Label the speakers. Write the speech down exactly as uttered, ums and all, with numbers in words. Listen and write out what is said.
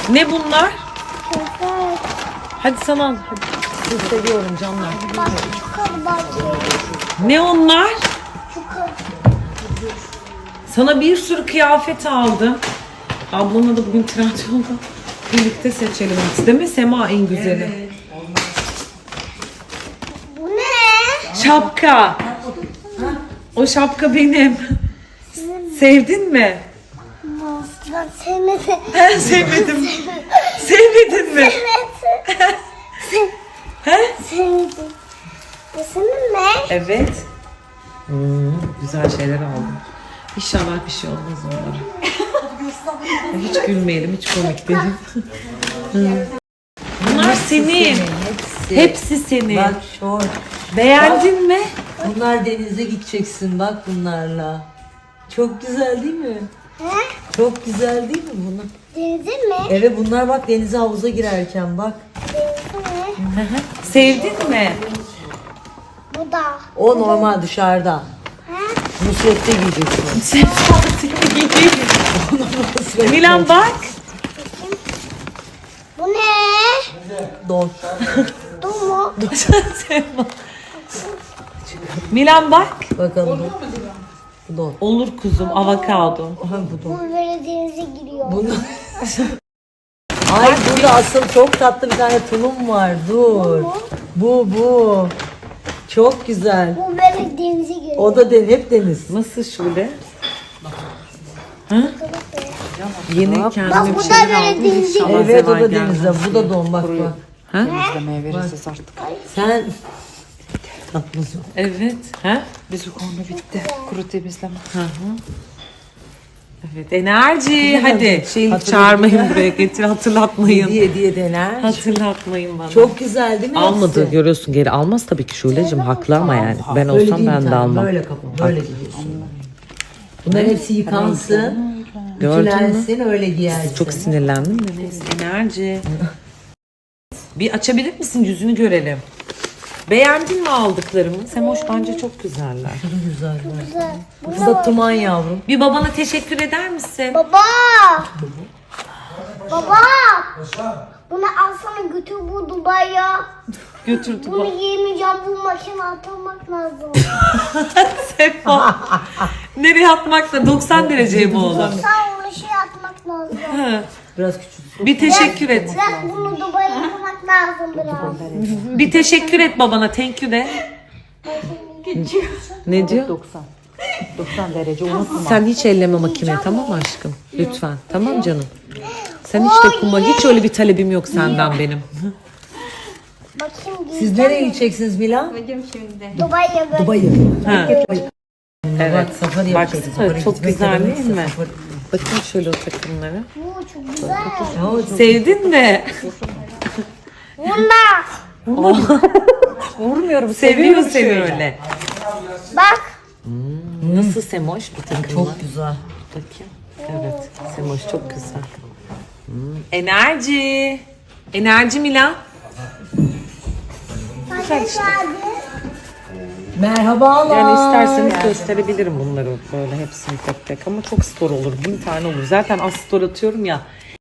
Speaker 1: Ne bunlar?
Speaker 2: Evet.
Speaker 1: Hadi sana al. Hadi. Sizi seviyorum canlar.
Speaker 2: Bak şu karı bahçeyi.
Speaker 1: Ne onlar?
Speaker 2: Şu karı.
Speaker 1: Sana bir sürü kıyafet aldım. Ablamla da bugün Trendyol'da birlikte seçelim. Değil mi Sema en güzeli?
Speaker 2: Bu ne?
Speaker 1: Şapka. O şapka benim. Sevdin mi?
Speaker 2: Ben sevmedim.
Speaker 1: He, sevmedim. Sevmedin mi? He?
Speaker 2: Sevmedim. Bu senin mi?
Speaker 1: Evet. Hmm, güzel şeyler aldım. İnşallah bir şey olmaz onlara. Hiç gülmeyelim, hiç komik değil. Bunlar senin.
Speaker 3: Hepsi.
Speaker 1: Hepsi senin.
Speaker 3: Bak şort.
Speaker 1: Beğendin mi?
Speaker 3: Bunlar denize gideceksin bak bunlarla. Çok güzel değil mi?
Speaker 2: He?
Speaker 3: Çok güzel değil mi bunlar?
Speaker 2: Denize mi?
Speaker 3: Evet bunlar bak denize havuza girerken bak.
Speaker 2: Denize mi?
Speaker 1: Sevdin mi?
Speaker 2: Bu da.
Speaker 3: O normal dışarıda.
Speaker 2: He?
Speaker 3: Nusret'te giyeceksin.
Speaker 1: Milan bak.
Speaker 2: Bu ne?
Speaker 3: Don.
Speaker 2: Bu mu?
Speaker 1: Milan bak.
Speaker 3: Bakalım. Bu don.
Speaker 1: Olur kuzum, avokado.
Speaker 3: Aha bu don.
Speaker 2: Bu böyle denize giriyor.
Speaker 3: Bunu... Ay burada asıl çok tatlı bir tane tulum var. Dur. Bu bu. Çok güzel.
Speaker 2: Bu böyle denize giriyor.
Speaker 3: O da den hep deniz.
Speaker 1: Nasıl şöyle? Ha? Yeni
Speaker 2: Bak
Speaker 1: kendime
Speaker 2: bu
Speaker 1: bir
Speaker 2: da
Speaker 1: şeyler
Speaker 2: böyle
Speaker 1: aldım.
Speaker 2: denize
Speaker 1: İnşallah
Speaker 2: giriyor.
Speaker 3: Evet o
Speaker 1: zeval
Speaker 3: da
Speaker 1: gelmez.
Speaker 3: denizde. Bu da don bak bak.
Speaker 1: Ha?
Speaker 4: İzlemeye veririz artık.
Speaker 3: Sen tatlısın.
Speaker 1: Evet. Ha?
Speaker 4: Bizim konu bitti. Kuru temizleme.
Speaker 1: Hı hı. Evet, enerji. Hadi. Şey
Speaker 3: Hatırladım.
Speaker 1: çağırmayın buraya, getir hatırlatmayın.
Speaker 3: Hediye hediye dener.
Speaker 1: Hatırlatmayın bana.
Speaker 3: Çok güzel değil mi?
Speaker 1: almadı
Speaker 3: hepsi?
Speaker 1: görüyorsun, geri almaz tabii ki Şule'cim, haklı ama yani. Ben
Speaker 3: Böyle
Speaker 1: olsam
Speaker 3: değil
Speaker 1: ben
Speaker 3: bir
Speaker 1: de
Speaker 3: tane,
Speaker 1: almam.
Speaker 3: Böyle kapı, böyle giyiyorsun. Bunların hepsi yıkansın,
Speaker 1: Gördün mü?
Speaker 3: ütülensin, öyle giyersin.
Speaker 1: Çok sinirlendim de neyse. Enerji. Bir açabilir misin, yüzünü görelim. Beğendin mi aldıklarımı? Semoş bence çok güzeller.
Speaker 3: Çok güzel.
Speaker 2: Güzel. Bu
Speaker 3: Bu da tuman yavrum.
Speaker 1: Bir babana teşekkür eder misin?
Speaker 2: Baba. Baba. Bunu alsana götür bu Dubai'ye.
Speaker 1: Götürdü
Speaker 2: Bunu
Speaker 1: bak.
Speaker 2: yiyemeyeceğim. Bu makine atmak lazım.
Speaker 1: Sefa. Nereye atmak da doksan dereceye mi olur?
Speaker 2: Sen onu şey atmak lazım.
Speaker 3: Biraz küçük.
Speaker 1: Bir teşekkür et.
Speaker 2: Biraz bunu Dubai'ye atmak lazım biraz.
Speaker 1: Bir teşekkür et babana. Thank you de. Ne diyor?
Speaker 4: doksan. doksan derece unutma.
Speaker 1: Sen hiç elleme makine, tamam mı aşkım? Lütfen. Tamam canım. Sen hiç dokunma. Hiç öyle bir talebim yok senden benim.
Speaker 2: Bakayım
Speaker 3: Siz
Speaker 2: giyeceğim
Speaker 3: nereye
Speaker 2: mi?
Speaker 3: gideceksiniz Milan?
Speaker 2: Dubai'ye böyle.
Speaker 3: Dubai'ye.
Speaker 1: Ha.
Speaker 3: Evet. Bak safari yapacaksın.
Speaker 1: Baksana,
Speaker 3: Safari
Speaker 1: çok
Speaker 3: gitmek
Speaker 1: güzel
Speaker 3: ne
Speaker 1: değil
Speaker 3: demekse
Speaker 1: mi?
Speaker 3: safari.
Speaker 1: Bakın şöyle o takımları.
Speaker 2: Bu çok güzel.
Speaker 3: Ya o çok-
Speaker 1: Sevdin mi?
Speaker 2: Bunda.
Speaker 1: Vurmuyorum. Seviyor seni öyle.
Speaker 2: Bak.
Speaker 1: Nasıl Semoş bu takımlar?
Speaker 3: Çok güzel.
Speaker 1: Bakayım. Evet. Semoş çok güzel. Hmm. Enerji. Enerji Milan.
Speaker 2: Güzel işte.
Speaker 3: Merhabalar.
Speaker 1: Yani isterseniz gösterebilirim bunları böyle hepsini tek tek ama çok store olur. Bin tane olur. Zaten az store atıyorum ya.